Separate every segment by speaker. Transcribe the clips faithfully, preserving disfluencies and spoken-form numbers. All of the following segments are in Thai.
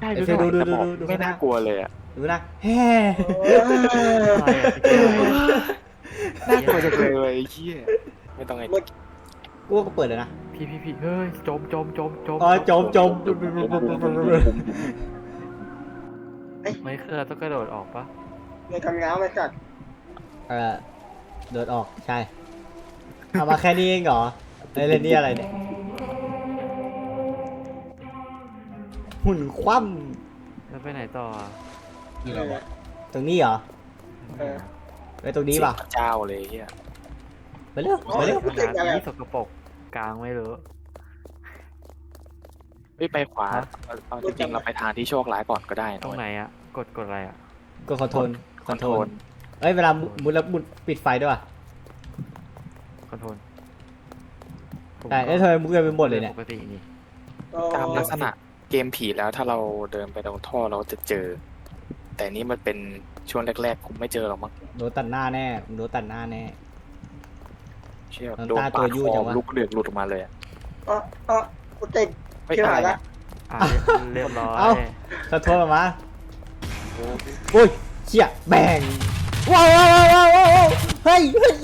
Speaker 1: ดู
Speaker 2: ดู
Speaker 1: ดู
Speaker 2: ดู
Speaker 1: ดู
Speaker 2: ดู
Speaker 1: ดูดูไม่น่ากลัวเลยอ่ะ
Speaker 2: ดูนะแฮ่
Speaker 1: น่ากลัวจังเลยไอ้เหี้ยไม่ต้องไอ้
Speaker 2: กูก็เปิดเลยนะ
Speaker 3: พี่พี่พี่เฮ้ยจมจมจมจม
Speaker 2: อ๋อจมจม
Speaker 3: ไม่เคยต้องกระโดดออกปะ
Speaker 4: ในคำง้าวไม่กัด
Speaker 2: เออโดดออกใช่เอามาแค่นี้เองเหรอไอ้เล่นนี่อะไรเนี่ยหุ่นคว่
Speaker 3: แล้วไปไหนต่อ
Speaker 4: นี่แหละ
Speaker 2: ำตรงนี้เหรอ
Speaker 4: เออ
Speaker 2: ไปตรงนี้ป่ะ
Speaker 1: เสียงเจ้าเลยเหี้ย
Speaker 2: ไปเร็วไปเร็ว
Speaker 3: ขนาดนี้สกปรกกลางไม่รู้
Speaker 1: ไม่ไปขวาเอาเอาจริงๆเราไปทางที่โชคร้ายก่อนก็ได้นะ
Speaker 3: ตรงไหนอ่ะกดกดอะไรอ่ะ
Speaker 2: ก็คอนโทรลคอนโทรล
Speaker 1: ล
Speaker 2: เอ้ยเวลามุดแล้วมุดปิดไฟด้วยว่ะ
Speaker 3: คอนโทรล
Speaker 2: แต่เอ้ยทำไมมุดกันไปหมดเลยเนี่ย
Speaker 3: ปกตินี่
Speaker 1: ตามลักษณะเกมผีแล้วถ้าเราเดินไปตรงท่อเราจะเจอ แต่นี่มันเป็นช่วงแรกๆผมไม่เจอหรอกมั้ง
Speaker 2: โดนตัดหน้าแน่โดนตัดหน้าแน่
Speaker 1: เชื่อ
Speaker 2: น้ำ
Speaker 1: โดน
Speaker 2: ตา
Speaker 1: ปา
Speaker 2: ตัว
Speaker 1: ด
Speaker 2: ยู่
Speaker 1: ค
Speaker 2: จั
Speaker 1: อง
Speaker 2: วะ
Speaker 1: ลูกเดือดหลุดออกมาเลยอะ
Speaker 4: อ๋ออ๋อกูติด
Speaker 1: ไม่
Speaker 4: ที่
Speaker 1: อะ
Speaker 4: หา
Speaker 1: ไร
Speaker 4: ยละ
Speaker 1: นะ
Speaker 3: อ่ะเรียบร้อย
Speaker 2: เอ้าขอโทษออกมาอุ้ยเชี่ยแบงว้าวว้าวว้าวว้าวเฮ้ยเฮ้ย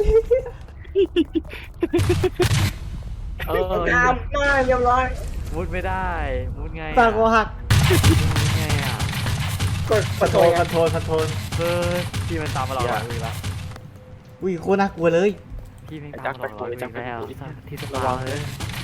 Speaker 3: เออ
Speaker 4: ตามมาเรียบร้อย
Speaker 3: มุดไม่ได้มุดไง
Speaker 2: ปากโอหัก
Speaker 3: มุดไงอ่ะ
Speaker 4: กด
Speaker 2: คอนโทรลคอนโทรลคอนโทรล
Speaker 3: เฮ้ยพี่มันตามมาเราอ่ะอีกแล้ว
Speaker 2: อุ้ยโคตรน่ากลัวเลย
Speaker 3: พี่ไม่ตามมาเราอีกแล้วที่สะพานเลย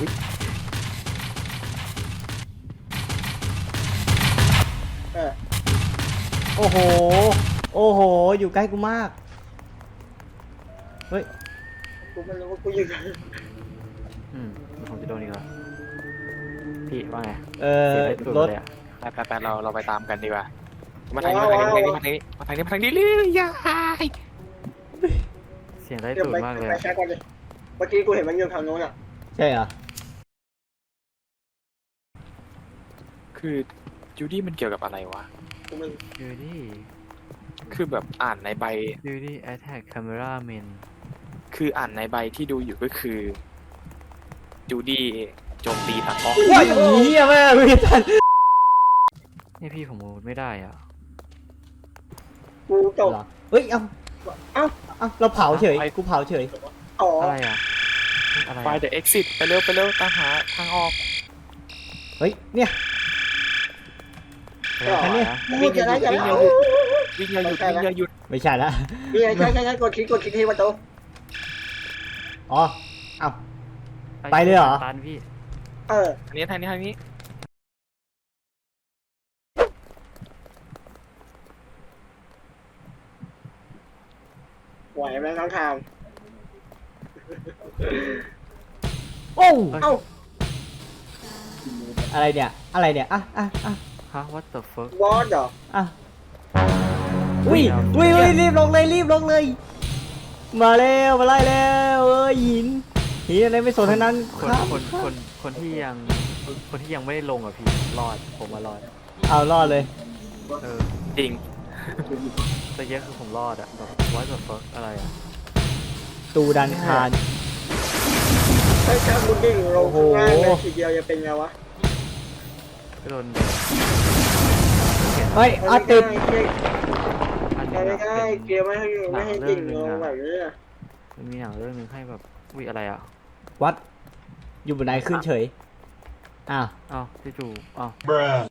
Speaker 4: เออ
Speaker 2: โอ้โหโอ้โหอยู่ใกล้กูมากเฮ้ย
Speaker 4: กูไม่รู้ว่ากูอยู่ไหน
Speaker 3: อืมผมจะโดนอีกแล้วพี่ว่าไง
Speaker 2: เออ
Speaker 3: เสียไปสุด
Speaker 2: รถ
Speaker 3: เลยอ่ะ
Speaker 1: ไปไปไปเราเราไปตามกันดีกว่ามาทางนี้มาทางนี้มาทางนี้มาทางนี้มาทางนี้เลยยาย
Speaker 3: เสียงได้
Speaker 4: เดี๋ยว
Speaker 3: สุด
Speaker 4: ไป
Speaker 3: มากเลย
Speaker 4: ไป
Speaker 3: อะ
Speaker 4: แช็กก่อนเลยเมื่อกี้กูเห็นมันอยู่ทางโน้นอ่ะ
Speaker 2: ใช่เหรอ
Speaker 1: คือจูดี้มันเกี่ยวกับอะไรวะ
Speaker 4: กูไม่
Speaker 3: ดูดิ
Speaker 1: คือแบบอ่านในใบ
Speaker 3: ดูดิ attack camera man
Speaker 1: คืออ่านในใบที่ดูอยู่ก็คือจูดี้โจมตีตากล้อง
Speaker 2: ว้ายเหี้ยแม่ไม่ทัน
Speaker 3: นี่พี่ผมมุดไม่ได้อ่ะ
Speaker 4: กูจบ
Speaker 2: เหรอเฮ้ย เอ้า
Speaker 4: เอ้า
Speaker 2: เอ้าเราเผาเฉย กูเผาเฉย
Speaker 4: อ๋อ
Speaker 3: อะไรอ่ะอะไร
Speaker 1: ไป
Speaker 3: อ่ะ
Speaker 1: เดอะเอ็กซิสไปเร็วไปเร็วตามหาทางออก
Speaker 2: เฮ้ย เนี่ย
Speaker 3: อะไร
Speaker 2: อันนี้
Speaker 3: อ่ะ
Speaker 4: กูจะได้จะได้
Speaker 1: วิ่งอย่าหยุดวิ่งอย่าหยุด
Speaker 2: ไม่ใช่ละ
Speaker 4: นี่ไงใช่ใช่ใช่กดคลิกกดคลิกที่ประตู
Speaker 2: อ๋อ เอ้า ไปเลยเหรอ
Speaker 3: ตันพี่
Speaker 4: เออ
Speaker 1: ทางนี้ทางนี้ทางนี้
Speaker 4: ไหวไหมน้องทาม
Speaker 2: โอ้
Speaker 4: เอ้า
Speaker 2: อะไรเนี่ย อะไรเนี่ย อ่ะอ่ะอ่ะ
Speaker 3: ฮะ what the fuck
Speaker 4: บอสเหรอ
Speaker 2: อ่ะอุ้ยอุ้ยอุ้ยรีบลงเลย รีบลงเลย มาแล้วมาไล่แล้วเอ้ยหินหินอะไรไม่สนทั้งนั้น
Speaker 3: ค
Speaker 2: คน รับ
Speaker 3: คนคนคนที่ยังคนที่ยังไม่ได้ลงอ่ะพี่รอดผมมารอด
Speaker 2: เอารอดเลย
Speaker 3: เออ
Speaker 1: จริง
Speaker 3: แต่เยอะคือผมรอดอ่ะแบบ what the fuck อะไรอ่ะ
Speaker 2: ตูดันคาร
Speaker 4: เฮ้ยถ้ากูดิ่งลง
Speaker 2: โอ้โห
Speaker 4: ข้างล่างเลยทีเดียวจะเป็นไงวะ
Speaker 3: ก็โดน
Speaker 2: เฮ้ยอาติด
Speaker 4: ไม่ได้
Speaker 3: อันห
Speaker 4: ไม่
Speaker 3: นึง
Speaker 4: ได้
Speaker 3: อะ
Speaker 4: ไม่ได้
Speaker 3: เป็น
Speaker 4: เกียร์ไม่ให้ไม่ให้ดิ่งลงแบบนี้อะ
Speaker 3: มันมีหนังเรื่องหนึงให้แบบวิอะไรอ่ะ
Speaker 2: วัด อยู่บนไหนขึ้นเฉย อ้าว
Speaker 3: อ้าวพี่จูอ้าว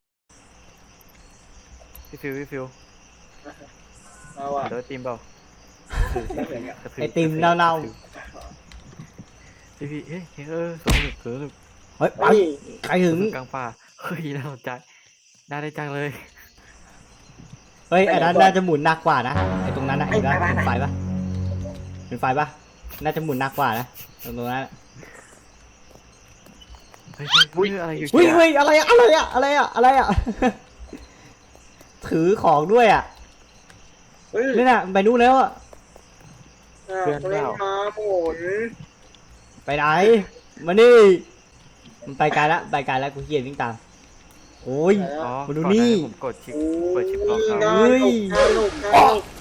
Speaker 3: พี่ฟิวพี่ฟิว
Speaker 4: เอาอะ
Speaker 3: เดี๋ยวทีมเปล่า
Speaker 4: ไม่เห็นอะ
Speaker 3: กระทืบ
Speaker 2: ไอติมเน่า
Speaker 3: พี่พี่เฮ้ยเออสนุกสนุก
Speaker 2: ๆ เฮ้ยไป
Speaker 4: นี่
Speaker 2: ใครถึง
Speaker 3: กลางป่าเฮ้ยน่าสนใจน่าได้จังเลย
Speaker 2: เฮ้ยอันนั้นน่าจะหมุนหนักกว่านะ ไอตรงนั้นนะเห็นปะเป็นไฟปะเป็นไฟปะน่าจะหมุนหนักกว่านะ ตรงนั้นอะ
Speaker 3: เฮ้ยเฮ้ยอะไรอยู่
Speaker 2: เฮ้ยเฮ้ยอะไรอะอะไรอะอะไรอะอะไรอะ ถือของด้วยอะ
Speaker 4: เฮ้ย
Speaker 2: นี่น่ะไปนู่นแล้วอะ
Speaker 4: อ่าเล่นมาโผล
Speaker 2: ไปไหน มานี่ มันไปไกลละไปไกลละกูเกียจวิ่งตาม โอ้ย
Speaker 3: อ๋อ
Speaker 2: มาดูนี่
Speaker 3: ก่อหาผมกดชิปเปิดชิปล็อกครับ
Speaker 4: น่า
Speaker 2: เฮ้ย
Speaker 4: หนุกน่าหนุกน่าหนุก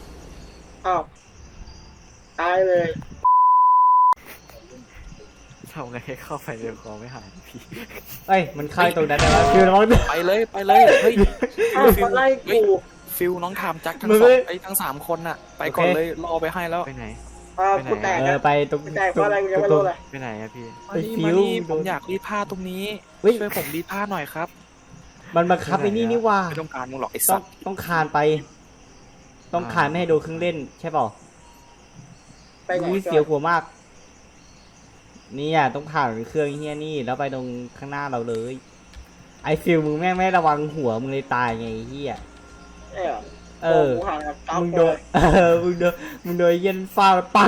Speaker 4: อ้าวตายเลย
Speaker 3: ทำไงให้เข้าไปในคอไม่หายพี่
Speaker 2: เอ้ยมันเข้าตรงนั้นแต่ว่าฟิวระวังด้วย
Speaker 1: ไปเลยไปเลยเฮ้ย
Speaker 4: อ้าวมาไล่กู
Speaker 1: ฟิลน้องถามจักทั้ง
Speaker 2: มึง
Speaker 1: สอ
Speaker 2: ไม่
Speaker 1: งไอ้ทั้งสามคนน่ะ ไปก่อน
Speaker 2: โอเค
Speaker 1: เลยรอไปให้แล้ว
Speaker 3: ไปไหน
Speaker 4: อ่า
Speaker 3: ไปไหน
Speaker 4: กูแตก
Speaker 2: เอ
Speaker 4: แล้
Speaker 2: อ
Speaker 4: ว
Speaker 2: ไปตรง
Speaker 4: กูแตกเพราะอะไรกูยังไม่รู้เลย
Speaker 3: ไปไหนอะพี่
Speaker 1: มา
Speaker 2: ไอ้
Speaker 1: นี่
Speaker 2: ฟิ
Speaker 1: มาว นี่
Speaker 2: โด
Speaker 1: ผม
Speaker 2: น
Speaker 1: อยากรีดผ้าตรงนี้
Speaker 2: เฮ้ย
Speaker 1: ช่วยผมรีดผ้าหน่อยครับ
Speaker 2: มันบังคับไอ้นี่นี่ว่า
Speaker 1: ไม่ต้องการมึงหรอกไอ้
Speaker 2: ต้
Speaker 1: สั
Speaker 2: อง
Speaker 1: ตว์
Speaker 2: ต้องคานไป ต้องคานไม่ให้โดนเครื่องเล่นใช่เปล่า
Speaker 4: ไปไหน
Speaker 2: อุ้ยเสียวหัวมากเนี่ยต้องผ่านเครื่องเฮียนี่แล้วไปตรงข้างหน้าเราเลย ไอฟิลมึงแม่งไม่ระวังหัวมึงเลยตายไงไอ้เฮีย
Speaker 4: เออ
Speaker 2: เออ
Speaker 4: กูห่างกับเก้า
Speaker 2: มึง
Speaker 4: ค
Speaker 2: โด
Speaker 4: น
Speaker 2: นเออมึงโดนมึงโดนเย็นฟ้าปัง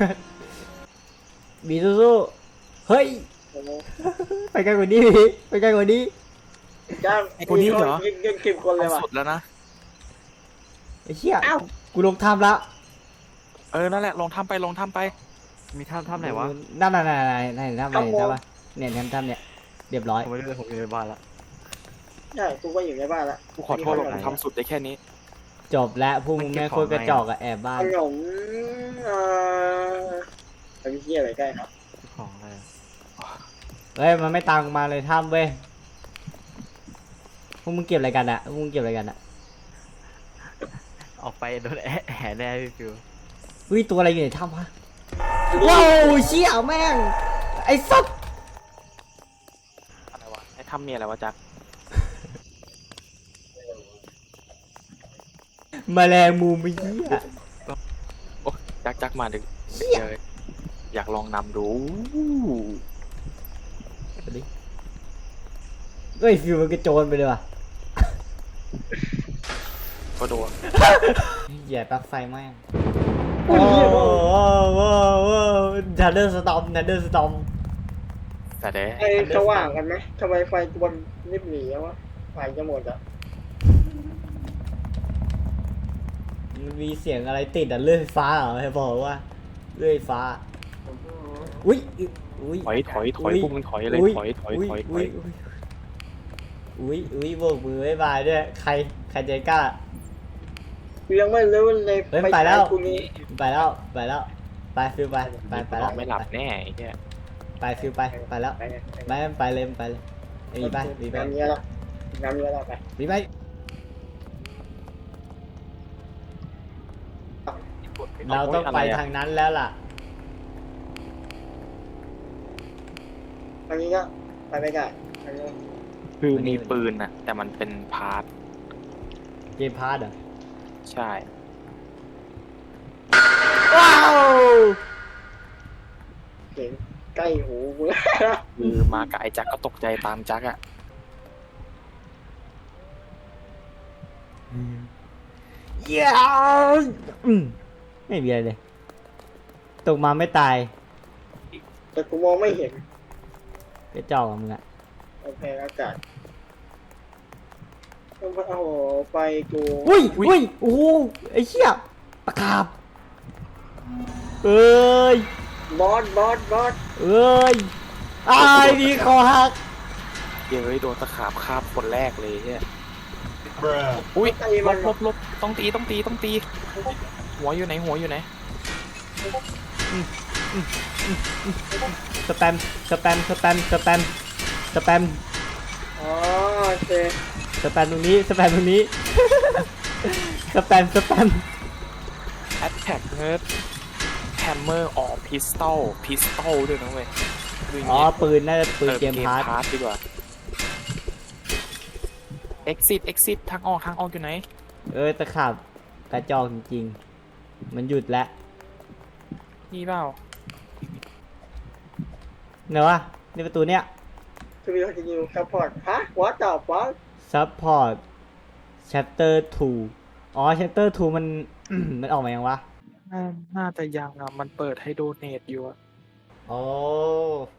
Speaker 2: บีสู้ๆเฮ้ย
Speaker 4: โอ้โห
Speaker 2: ไปไกลกว่านี้พี่ไปไกลกว่านี้
Speaker 4: จ้าง
Speaker 1: ไอ้คนนี้เหรอ
Speaker 4: ยิงยิงสิบคนเลย
Speaker 1: เอา
Speaker 4: ว่ะ
Speaker 1: สุดแล้วนะ
Speaker 2: ไอ้เชี่ย
Speaker 4: เอ้า
Speaker 2: กูลงถ้ำละ
Speaker 1: เออนั่นแหละลองทำไปลองทำไป
Speaker 3: มีถ้ำถ้ำไหนวะ
Speaker 2: นั่นนั่นนั่นนั่นนั่นถ้ำไหนถ้ำวะเนี่ยถ้ำถ้ำเนี่ยเรียบร้อย
Speaker 3: ผมไม่รู้เลยผมอยู่ในบ้านละ
Speaker 4: ใช่กูก็อยู่ในบ้านละ
Speaker 1: กูขอโทษหรอกผมทำสุดได้แค่นี้
Speaker 2: จบแล้วพวกมึงแม่งโคตรกระจอกอะแอบบ้า
Speaker 4: ข
Speaker 2: น
Speaker 4: นมเอ่อไอ้พี่เหี้ยอะไรใกล้ครับ
Speaker 3: ของอะไรอะ
Speaker 2: เฮ้ยมันไม่ตามกูมาเลยถ้ำเว้ยพวกมึงเก็บอะไรกันอะพวกมึงเก็บอะไรกันอะ
Speaker 3: ออกไปโดนแอะแห่แน่พี่ฟิว
Speaker 2: อุ้ยตัวอะไรอยู่ในถ้ำวะว้าวเชี่ยแม่งไอ้สัส
Speaker 1: อะไรวะไอ้ทำเมียอะไรวะจัก
Speaker 2: แมลงมุมไอ้เหี้ย
Speaker 1: โอ้จักจักมาดึก
Speaker 2: เชี่ย
Speaker 1: เจออยากลองนำดู
Speaker 2: เฮ้ยฟิวมันกระโจนไปเลยว่ะ
Speaker 1: ก็โดน
Speaker 2: เหยียบปลั๊กไฟแม่ง
Speaker 4: โอ้ยเหี้ยโอ้ย
Speaker 2: ว้าวว้าวว้าวทันเดอร์สตอมทันเดอร์สตอม
Speaker 1: แต่เด้
Speaker 4: ไอ้สว่างกันไหมทำไมไฟบนนิบหนีอะวะไฟจะหมดอ่ะ
Speaker 2: มันมีเสียงอะไรติดอะเลื่อยไฟฟ้าเหรอให้บอกว่าเลื่อยไฟฟ้าอุ้ยอุ้ย
Speaker 1: ถอยถอยถอยพวกมึงถอยเลยถอยถอยถอยถอย
Speaker 2: อุ้ยอุ้ยโบกมือบ๊ายบายด้วยใครใครใจกล้า
Speaker 4: กูยังไม่รู้เลย
Speaker 2: เฮ้ยไปแล้ว
Speaker 4: กูนี้
Speaker 2: ไปแล้วไปแล้วไปฟิวไปไปไป
Speaker 1: น
Speaker 2: แล้
Speaker 1: อ
Speaker 2: วน
Speaker 1: ไม่หลับแน่ไอ้เหี้ย
Speaker 2: ไปฟิวไปไปแล้ว
Speaker 4: ไปเนี่ย
Speaker 2: ไปไปเลยไปเลยมีไปมีไป
Speaker 4: งานเนี้ยละงานเนี้ยละไป
Speaker 2: มีไป เราต้องไปทางนั้นแล้วล่ะ
Speaker 4: อันนี้ก็ไปไม่ได้อันนี้
Speaker 1: คือมีปืนน่ะ แต่มันเป็นพาร์ท
Speaker 2: เกมพาร์ทเหรอ
Speaker 1: ใช่
Speaker 2: ว้าว
Speaker 4: เสียงใกล้หูกูแล้ว
Speaker 1: คือมากับไอ้จักก็ตกใจตามจักอะ
Speaker 2: เย้อืมไม่มีอะไรเลยตกมาไม่ตาย
Speaker 4: แต่กูมองไม่เห็น
Speaker 2: กระจอกอะมึงอะ
Speaker 4: โอเคอากาศโอ้โหไฟกู
Speaker 2: อุ้ยอุ้ยโอ้โหไอ้เชี่ยปากกาบเอ้ย
Speaker 4: บอสบอสบอส
Speaker 2: เอ้ยไอ้ายดีคอหัก
Speaker 1: เดี๋ยวเฮ้ยโดนตะขาบคาบคนแรกเลยเฮียอุ้ย
Speaker 4: ไอ้
Speaker 1: ล
Speaker 4: มัน
Speaker 1: บลบลบต้องตีต้องตีต้องตี หัวอยู่ไหนหัวอยู่ไหน
Speaker 2: สแปมสแปมสแปมสแปมสแปม
Speaker 4: อ๋อโอเค
Speaker 2: สแปมตรงนี้สแปมตรงนี้ สแปมสแปม
Speaker 1: Attack Nerd Hammer or Pistol Pistol ด้วยนะเว้ยดูอย่าง
Speaker 2: อ๋อ
Speaker 1: งี้
Speaker 2: ปืนน่าจะปืนเกมพาร์ท
Speaker 1: พาร์ทดีกว่า Exit Exit ทางออกทางออกอยู่ไหน
Speaker 2: เอ้ยตะขาบกระจอกจริงๆมันหยุดแล้ว
Speaker 1: นี่เปล่า
Speaker 2: เนอะวะนี่ประตูเนี้ย
Speaker 4: ทูบิวจะยิวซัพพอร์ตฮะวอตต่อฟอส
Speaker 2: support chapter ทู อ๋อ chapter ทูมัน มันออกมายังวะ
Speaker 1: น่าน่าจะยังอ่ะ มันเปิดให้โดเนทอยู่อะ
Speaker 2: โอ้